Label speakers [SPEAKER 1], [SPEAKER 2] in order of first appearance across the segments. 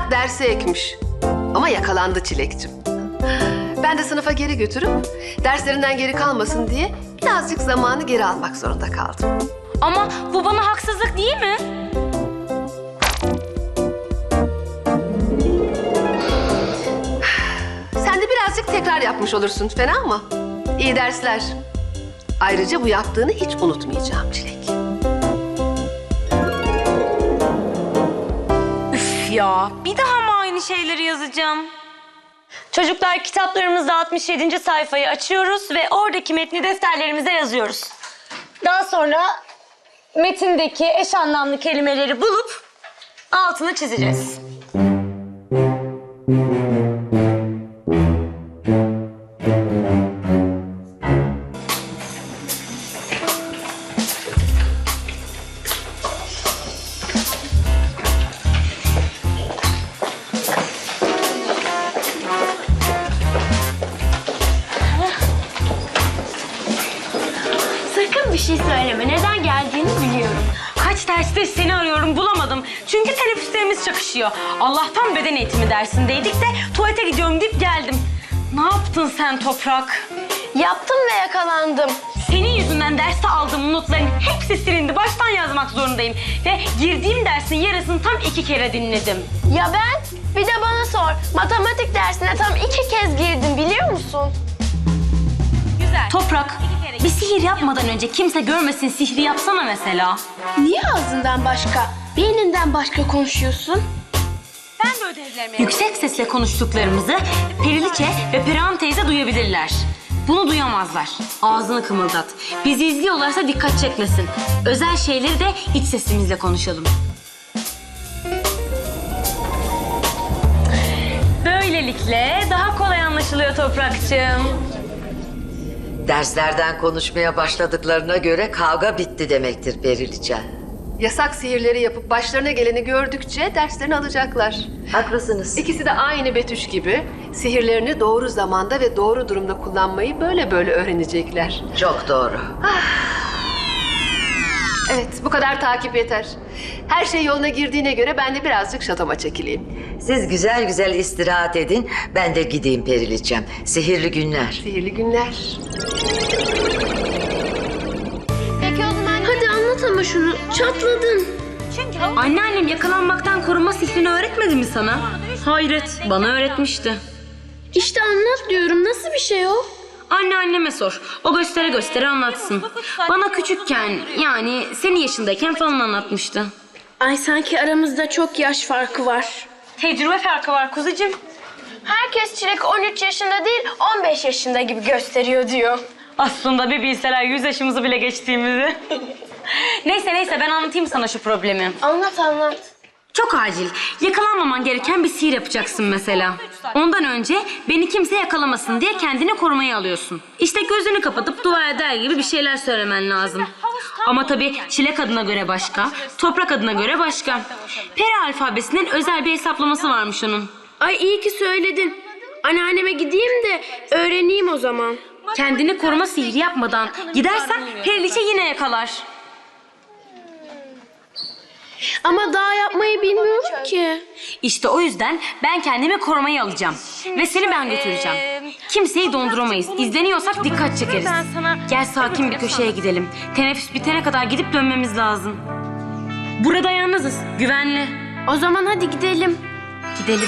[SPEAKER 1] Tak derse ekmiş. Ama yakalandı Çilek'cim. Ben de sınıfa geri götürüp derslerinden geri kalmasın diye birazcık zamanı geri almak zorunda kaldım.
[SPEAKER 2] Ama bu bana haksızlık değil mi?
[SPEAKER 1] Sen de birazcık tekrar yapmış olursun, fena mı? İyi dersler. Ayrıca bu yaptığını hiç unutmayacağım Çilek.
[SPEAKER 2] Üf ya, bir daha mı aynı şeyleri yazacağım? Çocuklar, kitaplarımızda 67. sayfayı açıyoruz ve oradaki metni defterlerimize yazıyoruz. Daha sonra metindeki eş anlamlı kelimeleri bulup altını çizeceğiz.
[SPEAKER 3] Sakın bir şey söyleme. Neden geldiğini biliyorum.
[SPEAKER 2] Kaç derste seni arıyorum, bulamadım. Çünkü teneffüslerimiz çakışıyor. Allah'tan beden eğitimi dersindeydik de tuvalete gidiyorum deyip geldim. Ne yaptın sen Toprak?
[SPEAKER 3] Yaptım ve yakalandım.
[SPEAKER 2] Senin yüzünden derste aldığım notların hepsi silindi. Baştan yazmak zorundayım. Ve girdiğim dersin yarısını tam 2 kere dinledim.
[SPEAKER 3] Ya ben? Bir de bana sor. Matematik dersine tam 2 kez girdim biliyor musun?
[SPEAKER 2] Güzel. Toprak, bir sihir yapmadan önce kimse görmesin sihri yapsana mesela.
[SPEAKER 3] Niye ağzından başka, beyninden başka konuşuyorsun?
[SPEAKER 2] Ben de ödevlerime... Yüksek sesle konuştuklarımızı Periliçe ve Perihan teyze duyabilirler. Bunu duyamazlar. Ağzını kımıldat. Bizi izliyorlarsa dikkat çekmesin. Özel şeyleri de iç sesimizle konuşalım. Böylelikle daha kolay anlaşılıyor Toprakçığım.
[SPEAKER 4] Derslerden konuşmaya başladıklarına göre kavga bitti demektir Periliçe.
[SPEAKER 1] Yasak sihirleri yapıp başlarına geleni gördükçe derslerini alacaklar.
[SPEAKER 4] Haklısınız.
[SPEAKER 1] İkisi de aynı Betüş gibi sihirlerini doğru zamanda ve doğru durumda kullanmayı böyle öğrenecekler.
[SPEAKER 4] Çok doğru.
[SPEAKER 1] Evet, bu kadar takip yeter. Her şey yoluna girdiğine göre ben de birazcık şatoma çekileyim.
[SPEAKER 4] Siz güzel güzel istirahat edin. Ben de gideyim Periliçem. Sihirli günler.
[SPEAKER 1] Sihirli günler.
[SPEAKER 3] Peki o zaman... Hadi anlat ama şunu. Çatladın.
[SPEAKER 2] Anneannem yakalanmaktan koruma sihrini öğretmedi mi sana? Hayret, bana öğretmişti.
[SPEAKER 3] İşte anlat diyorum. Nasıl bir şey o?
[SPEAKER 2] Anneanneme sor. O göstere göstere anlatsın. Bana küçükken, yani senin yaşındayken falan anlatmıştı.
[SPEAKER 3] Ay sanki aramızda çok yaş farkı var.
[SPEAKER 2] Tecrübe farkı var kuzucuğum.
[SPEAKER 3] Herkes Çilek 13 yaşında değil 15 yaşında gibi gösteriyor diyor.
[SPEAKER 2] Aslında bir bilseler 100 yaşımızı bile geçtiğimizi. Neyse ben anlatayım sana şu problemi.
[SPEAKER 3] Anlat.
[SPEAKER 2] Çok acil. Yakalanmaman gereken bir sihir yapacaksın mesela. Ondan önce beni kimse yakalamasın diye kendini korumaya alıyorsun. İşte gözünü kapatıp dua eder gibi bir şeyler söylemen lazım. Ama tabii Çilek adına göre başka, Toprak adına göre başka. Peri alfabesinin özel bir hesaplaması varmış onun.
[SPEAKER 3] Ay iyi ki söyledin. Anneanneme gideyim de öğreneyim o zaman.
[SPEAKER 2] Kendini koruma sihri yapmadan gidersen Periliçe yine yakalar.
[SPEAKER 3] Ama daha yapmayı bilmiyorum ki.
[SPEAKER 2] İşte o yüzden ben kendimi korumaya alacağım. Ve seni ben götüreceğim. Kimseyi donduramayız. İzleniyorsak dikkat çekeriz. Gel sakin bir köşeye gidelim. Teneffüs bitene kadar gidip dönmemiz lazım. Burada yalnızız. Güvenli.
[SPEAKER 3] O zaman hadi gidelim.
[SPEAKER 2] Gidelim.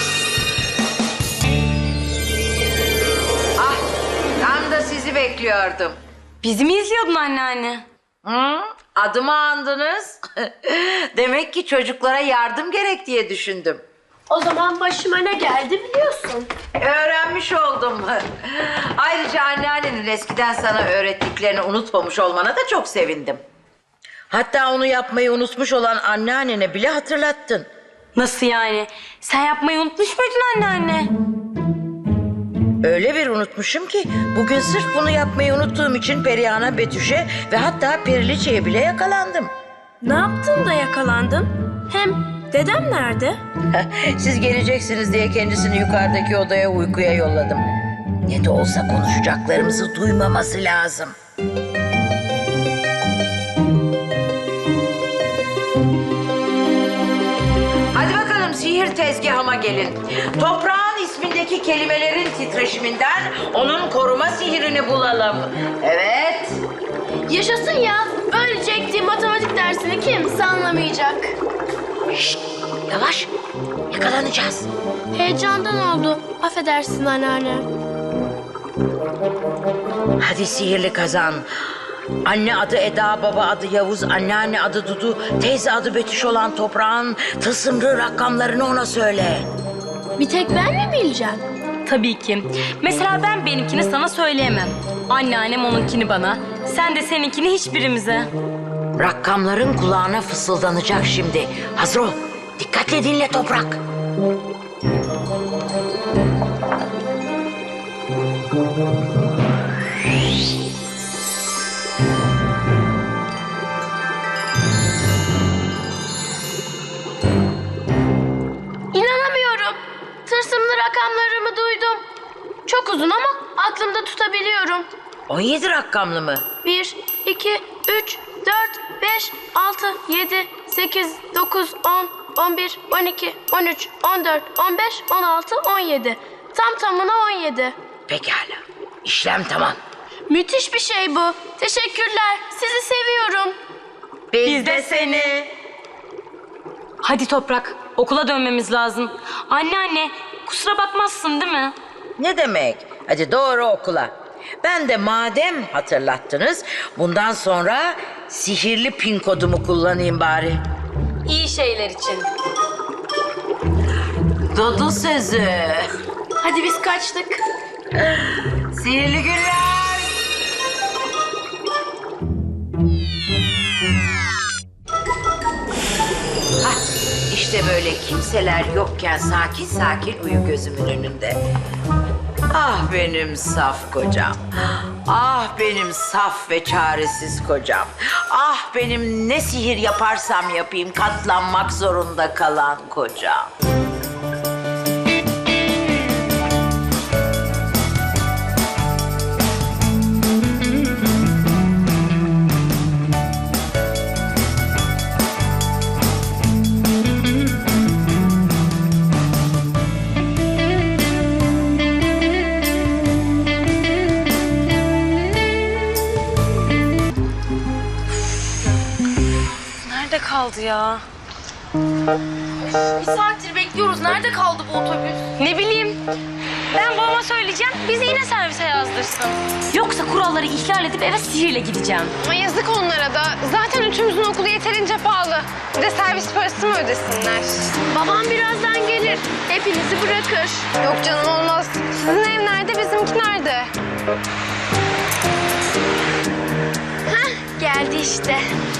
[SPEAKER 4] Ah, tam da sizi bekliyordum.
[SPEAKER 2] Bizi mi izliyordun anneanne?
[SPEAKER 4] Hı? Adımı andınız. Demek ki çocuklara yardım gerek diye düşündüm.
[SPEAKER 3] O zaman başıma ne geldi biliyorsun.
[SPEAKER 4] Öğrenmiş oldum. Ayrıca anneannenin eskiden sana öğrettiklerini unutmamış olmana da çok sevindim. Hatta onu yapmayı unutmuş olan anneannene bile hatırlattın.
[SPEAKER 2] Nasıl yani? Sen yapmayı unutmuş muydun anneanne?
[SPEAKER 4] Öyle bir unutmuşum ki bugün sırf bunu yapmayı unuttuğum için Perihan'a, Betüş'e ve hatta Periliçe'ye bile yakalandım.
[SPEAKER 3] Ne yaptın da yakalandın? Hem dedem nerede?
[SPEAKER 4] Siz geleceksiniz diye kendisini yukarıdaki odaya uykuya yolladım. Ne de olsa konuşacaklarımızı duymaması lazım. Hadi bakalım sihir nedir tezgahıma gelin. Toprağın ismindeki kelimelerin titreşiminden onun koruma sihirini bulalım. Evet.
[SPEAKER 3] Yaşasın ya. Böylece ektiğim matematik dersini kimse anlamayacak.
[SPEAKER 4] Şşt, yavaş. Yakalanacağız.
[SPEAKER 3] Heyecandan oldu. Affedersin anneanne.
[SPEAKER 4] Hadi sihirli kazan. Anne adı Eda, baba adı Yavuz, anneanne adı Dudu, teyze adı Betüş olan toprağın tılsımlı rakamlarını ona söyle.
[SPEAKER 3] Bir tek ben mi bileceğim?
[SPEAKER 2] Tabii ki. Mesela ben benimkini sana söyleyemem. Anneannem onunkini bana. Sen de seninkini hiçbirimize.
[SPEAKER 4] Rakamların kulağına fısıldanacak şimdi. Hazır ol. Dikkatle dinle toprak.
[SPEAKER 3] İnanamıyorum. Tılsımlı rakamlarımı duydum. Çok uzun ama aklımda tutabiliyorum.
[SPEAKER 4] 17 rakamlı mı?
[SPEAKER 3] 1, 2, 3, 4, 5, 6, 7, 8, 9, 10, 11, 12, 13, 14, 15, 16, 17. Tam tamına 17.
[SPEAKER 4] Pekala. İşlem tamam.
[SPEAKER 3] Müthiş bir şey bu. Teşekkürler. Sizi seviyorum.
[SPEAKER 4] Biz de seni.
[SPEAKER 2] Hadi Toprak, okula dönmemiz lazım. Anneanne, kusura bakmazsın değil mi?
[SPEAKER 4] Ne demek? Hadi doğru okula. Ben de madem hatırlattınız, bundan sonra sihirli pin kodumu kullanayım bari.
[SPEAKER 2] İyi şeyler için.
[SPEAKER 4] Dudu sözü.
[SPEAKER 3] Hadi biz kaçtık.
[SPEAKER 4] Sihirli günler. Hah, işte böyle kimseler yokken sakin sakin uyu gözümün önünde. Ah benim saf kocam. Ah benim saf ve çaresiz kocam. Ah benim ne sihir yaparsam yapayım katlanmak zorunda kalan kocam.
[SPEAKER 2] Nerede kaldı ya?
[SPEAKER 3] Bir saattir bekliyoruz. Nerede kaldı bu otobüs?
[SPEAKER 2] Ne bileyim. Ben babama söyleyeceğim, bizi yine servise yazdırsın. Yoksa kuralları ihlal edip eve sihirle gideceğim.
[SPEAKER 5] Ay yazık onlara da. Zaten üçümüzün okulu yeterince pahalı. Bir de servis parası mı ödesinler?
[SPEAKER 3] Babam birazdan gelir. Hepinizi bırakır.
[SPEAKER 5] Yok canım olmaz. Sizin ev nerede, bizimki nerede?
[SPEAKER 3] Geldi işte.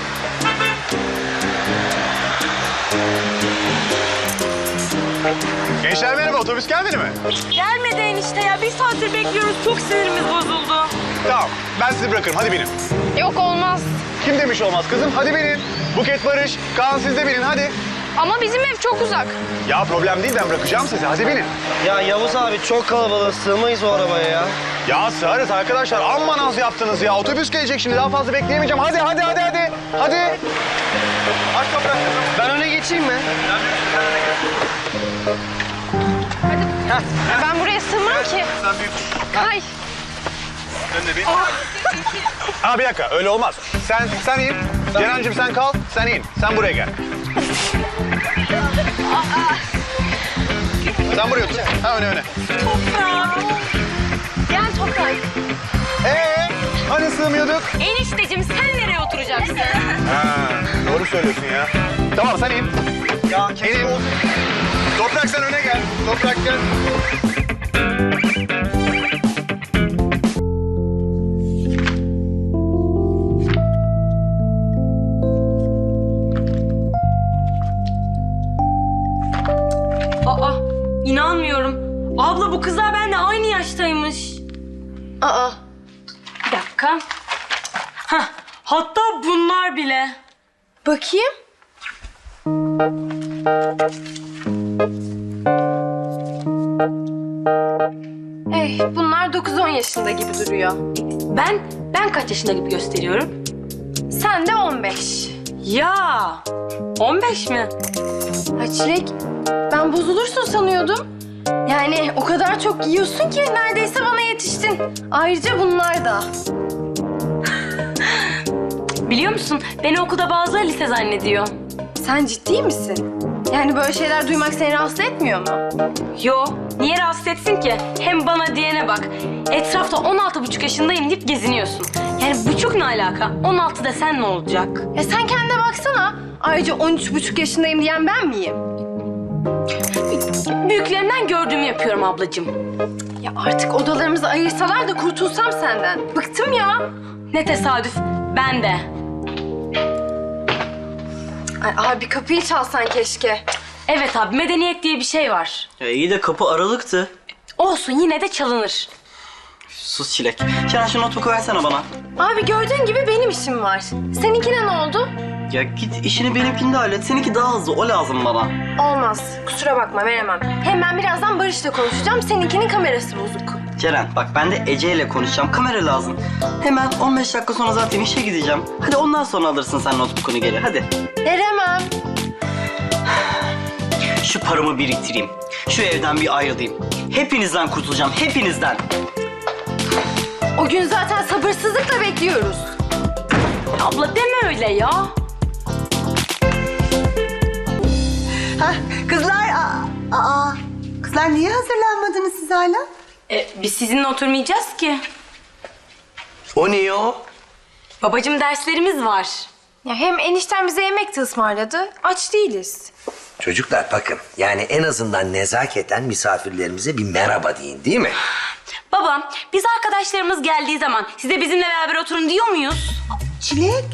[SPEAKER 6] Gençler merhaba, otobüs gelmedi mi?
[SPEAKER 2] Gelmedi enişte ya. Bir saattir bekliyoruz. Çok sinirimiz bozuldu.
[SPEAKER 6] Tamam, ben sizi bırakırım. Hadi binin.
[SPEAKER 5] Yok olmaz.
[SPEAKER 6] Kim demiş olmaz kızım? Hadi binin. Buket, Barış, Kaan siz de binin hadi.
[SPEAKER 5] Ama bizim ev çok uzak.
[SPEAKER 6] Ya problem değil, ben bırakacağım sizi. Hadi binin.
[SPEAKER 7] Ya Yavuz abi çok kalabalık, sığmayız o arabaya ya.
[SPEAKER 6] Ya sığarız arkadaşlar. Amma naz yaptınız ya. Otobüs gelecek şimdi. Daha fazla bekleyemeyeceğim. Hadi. Hadi. Aç toprak kızım.
[SPEAKER 7] Ben öne geçeyim mi?
[SPEAKER 5] Ben buraya sığmam ki.
[SPEAKER 6] Sen büyük.
[SPEAKER 5] Ay.
[SPEAKER 6] Sen de bin. Aa, bir dakika, öyle olmaz. Sen in. Ceren'cim sen kal. Sen in. Sen buraya gel. Sen buraya otur. Ha, öne.
[SPEAKER 5] Gel Toprak.
[SPEAKER 6] Hani sığmıyorduk?
[SPEAKER 2] Enişteciğim sen nereye oturacaksın?
[SPEAKER 6] Ha, doğru söylüyorsun ya. Tamam sen in.
[SPEAKER 7] Ya kesin
[SPEAKER 6] İnin.
[SPEAKER 7] olsun.
[SPEAKER 6] Toprak sen öne gel. Toprak gel.
[SPEAKER 2] Aa, inanmıyorum. Abla bu kızlar benimle aynı yaştaymış.
[SPEAKER 3] Aa.
[SPEAKER 2] Bir dakika. Hah, hatta bunlar bile.
[SPEAKER 3] Bakayım.
[SPEAKER 5] Bunlar 9-10 yaşında gibi duruyor.
[SPEAKER 2] Ben kaç yaşında gibi gösteriyorum?
[SPEAKER 5] Sen de 15.
[SPEAKER 2] Ya, 15 mi?
[SPEAKER 5] Ha Çilek, ben sen bozulursun sanıyordum. Yani o kadar çok yiyorsun ki neredeyse bana yetiştin. Ayrıca bunlar da.
[SPEAKER 2] Biliyor musun? Beni okulda bazıları lise zannediyor.
[SPEAKER 5] Sen ciddi misin? Yani böyle şeyler duymak seni rahatsız etmiyor mu?
[SPEAKER 2] Yo, niye rahatsız etsin ki? Hem bana diyene bak. Etrafta 16,5 yaşındayım deyip geziniyorsun. Yani buçuk ne alaka? 16 desen ne olacak?
[SPEAKER 5] Ya sen kendine baksana. Ayrıca 13,5 yaşındayım diyen ben miyim?
[SPEAKER 2] Büyüklerimden gördüğümü yapıyorum ablacığım.
[SPEAKER 5] Ya artık odalarımızı ayırsalar da kurtulsam senden. Bıktım ya.
[SPEAKER 2] Ne tesadüf. Ben de.
[SPEAKER 5] Ay abi kapıyı çalsan keşke.
[SPEAKER 2] Evet abi, medeniyet diye bir şey var.
[SPEAKER 7] İyi de kapı aralıktı.
[SPEAKER 2] Olsun, yine de çalınır.
[SPEAKER 7] Sus Çilek. Ceren şu notebook'u versene bana.
[SPEAKER 5] Abi gördüğün gibi benim işim var. Seninkine ne oldu?
[SPEAKER 7] Ya git işini benimkinde hallet. Seninki daha hızlı. O lazım bana.
[SPEAKER 5] Olmaz. Kusura bakma veremem. Hem ben birazdan Barış'la konuşacağım. Seninkinin kamerası bozuk.
[SPEAKER 7] Ceren bak ben de Ece ile konuşacağım. Kamera lazım. Hemen 15 dakika sonra zaten işe gideceğim. Hadi ondan sonra alırsın sen notebook'unu geri. Hadi.
[SPEAKER 5] Veremem.
[SPEAKER 7] Şu paramı biriktireyim. Şu evden bir ayrılayım. Hepinizden kurtulacağım. Hepinizden.
[SPEAKER 5] O gün zaten sabırsızlıkla bekliyoruz.
[SPEAKER 2] Abla deme öyle ya.
[SPEAKER 8] Hah, kızlar, kızlar niye hazırlanmadınız siz hala?
[SPEAKER 2] Biz sizinle oturmayacağız ki.
[SPEAKER 9] O niye o?
[SPEAKER 2] Babacığım derslerimiz var.
[SPEAKER 5] Ya hem enişten bize yemek de ısmarladı. Aç değiliz.
[SPEAKER 9] Çocuklar bakın, yani en azından nezaketen misafirlerimize bir merhaba deyin, değil mi?
[SPEAKER 2] Baba, biz arkadaşlarımız geldiği zaman size bizimle beraber oturun diyor muyuz?
[SPEAKER 8] Çilek.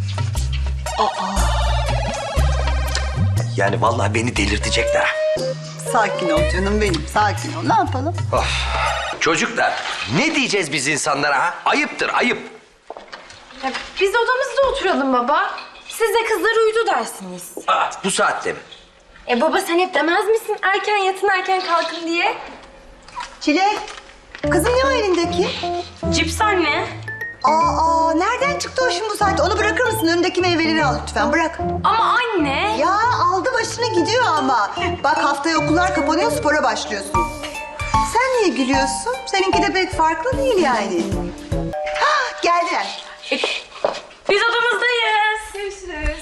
[SPEAKER 9] Yani vallahi beni delirtecekler.
[SPEAKER 8] Sakin ol canım benim, sakin ol. Ne yapalım?
[SPEAKER 9] Çocuklar, ne diyeceğiz biz insanlara ha? Ayıptır, ayıp.
[SPEAKER 5] Ya biz odamızda oturalım baba. Siz de kızlar uyudu dersiniz.
[SPEAKER 9] Bu saatte mi?
[SPEAKER 5] Baba sen hep demez misin erken yatın erken kalkın diye?
[SPEAKER 8] Çilek. Kızım ne o elindeki?
[SPEAKER 2] Cips anne.
[SPEAKER 8] Nereden çıktı o şimdi bu saatte? Onu bırakır mısın? Önündeki meyveleri al lütfen, bırak.
[SPEAKER 2] Ama anne.
[SPEAKER 8] Ya aldı başını gidiyor ama. Bak haftaya okullar kapanıyor, spora başlıyorsun. Sen niye gülüyorsun? Seninki de pek farklı değil yani. Hah, geldiler.
[SPEAKER 2] Biz odamızdayız.
[SPEAKER 5] Görüşürüz.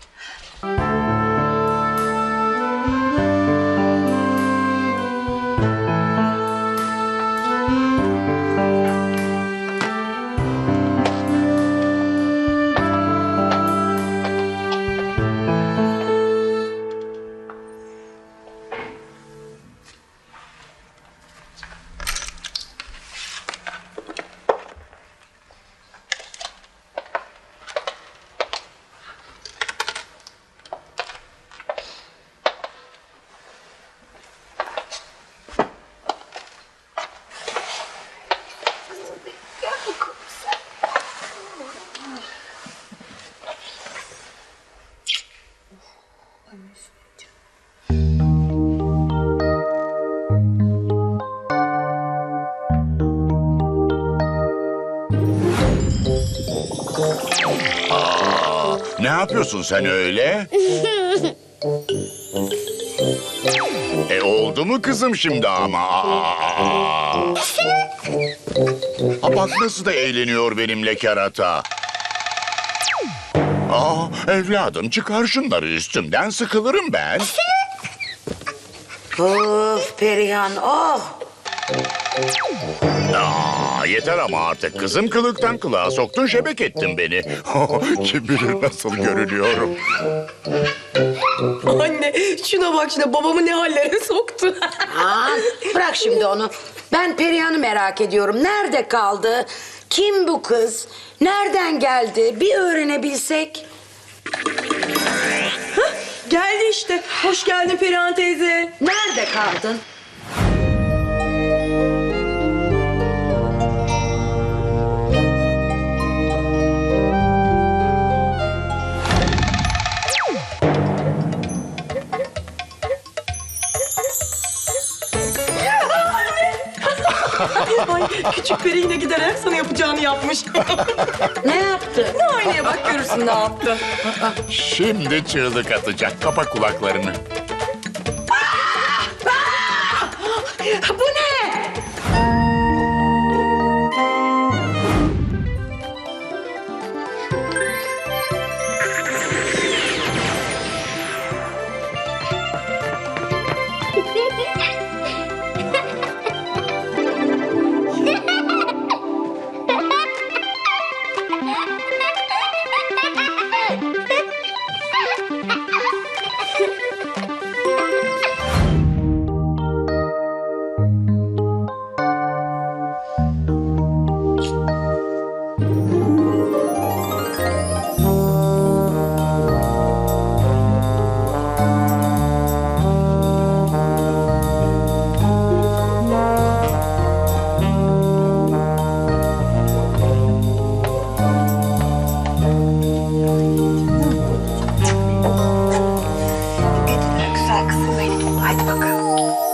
[SPEAKER 10] Ne yapıyorsun sen öyle? Oldu mu kızım şimdi ama? Bak nasıl da eğleniyor benimle kerata. Evladım çıkar şunları üstümden, sıkılırım ben.
[SPEAKER 4] Of Perihan, oh!
[SPEAKER 10] Yeter ama artık kızım, kılıktan kılığa soktun, şebek ettin beni. Kim bilir nasıl görünüyorum.
[SPEAKER 11] Anne şuna bak, şuna babamı ne hallere soktu.
[SPEAKER 4] Bırak şimdi onu. Ben Perihan'ı merak ediyorum. Nerede kaldı? Kim bu kız? Nereden geldi? Bir öğrenebilsek.
[SPEAKER 11] Geldi işte. Hoş geldin Perihan teyze.
[SPEAKER 4] Nerede kaldın?
[SPEAKER 11] Ay, küçük peri yine giderek sana yapacağını yapmış.
[SPEAKER 4] Ne yaptı?
[SPEAKER 11] Aynaya bak görürsün ne yaptı.
[SPEAKER 10] Şimdi çığlık atacak, kapa kulaklarını.
[SPEAKER 11] Bu ne?
[SPEAKER 8] Güzel kızım benim. Haydi bakalım.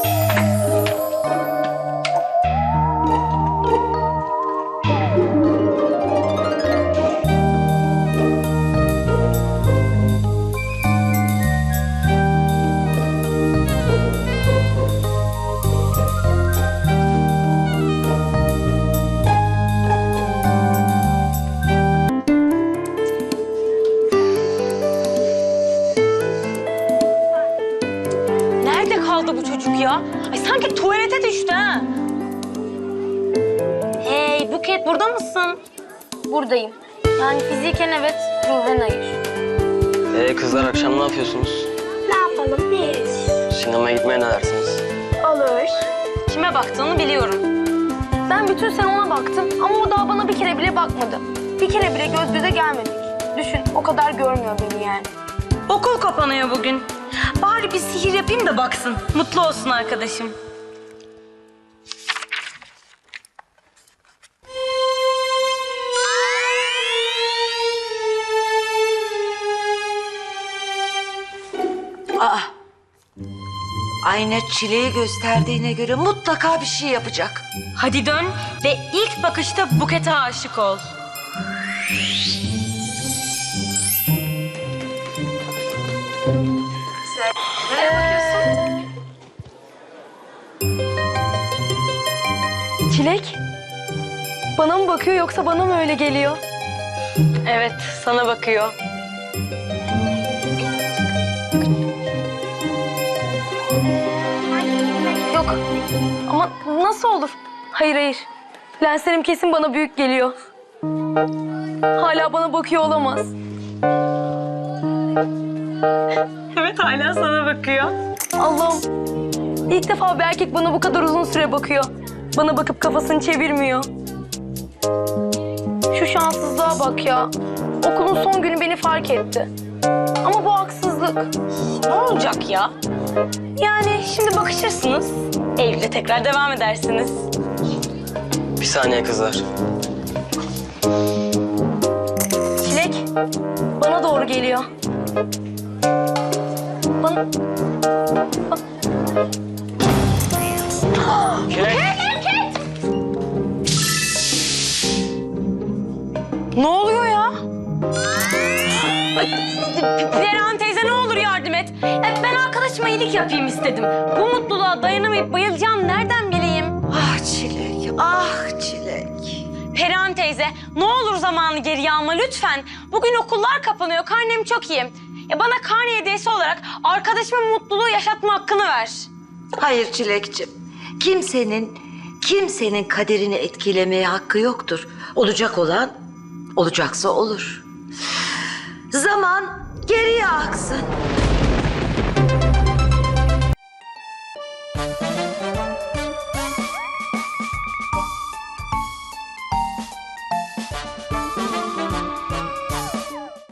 [SPEAKER 2] Nerede kaldı bu çocuk ya? Ay sanki tuvalete düştü ha. Hey Buket, burada mısın?
[SPEAKER 3] Buradayım. Yani fiziken evet, ruhen hayır.
[SPEAKER 7] Kızlar akşam ne yapıyorsunuz?
[SPEAKER 3] Ne yapalım, ne yeriz?
[SPEAKER 7] Sinemaya gitmeye ne dersiniz?
[SPEAKER 3] Olur.
[SPEAKER 2] Kime baktığını biliyorum.
[SPEAKER 3] Ben bütün sene ona baktım ama o daha bana bir kere bile bakmadı. Bir kere bile göz göze gelmedik. Düşün, o kadar görmüyor beni yani.
[SPEAKER 2] Okul kapanıyor bugün. Bari bir sihir yapayım da baksın. Mutlu olsun arkadaşım.
[SPEAKER 4] Aa, ayna Çile'yi gösterdiğine göre mutlaka bir şey yapacak.
[SPEAKER 2] Hadi dön ve ilk bakışta Buket'e aşık ol.
[SPEAKER 3] Çilek, bana mı bakıyor yoksa bana mı öyle geliyor?
[SPEAKER 2] Evet, sana bakıyor.
[SPEAKER 3] Yok, ama nasıl olur? Hayır hayır, lenslerim kesin bana büyük geliyor. Hala bana bakıyor olamaz.
[SPEAKER 2] Evet, hala sana bakıyor.
[SPEAKER 3] Allah'ım, ilk defa bir erkek bana bu kadar uzun süre bakıyor. Bana bakıp kafasını çevirmiyor. Şu şanssızlığa bak ya. Okulun son günü beni fark etti. Ama bu haksızlık.
[SPEAKER 2] Ne olacak ya? Yani şimdi bakışırsınız. Eylül'de tekrar devam edersiniz.
[SPEAKER 7] Bir saniye kızlar.
[SPEAKER 3] Çilek, bana doğru geliyor. Bana...
[SPEAKER 2] Ne oluyor ya? Perihan teyze ne olur yardım et. Ben arkadaşıma iyilik yapayım istedim. Bu mutluluğa dayanamayıp bayılacağım nereden bileyim?
[SPEAKER 4] Ah Çilek, ah Çilek.
[SPEAKER 2] Perihan teyze ne olur zamanı geriye alma lütfen. Bugün okullar kapanıyor, karnem çok iyi. Bana karne hediyesi olarak arkadaşıma mutluluğu yaşatma hakkını ver.
[SPEAKER 4] Hayır Çilekciğim. Kimsenin kaderini etkilemeye hakkı yoktur. Olacak olan olacaksa olur. Zaman geriye aksın.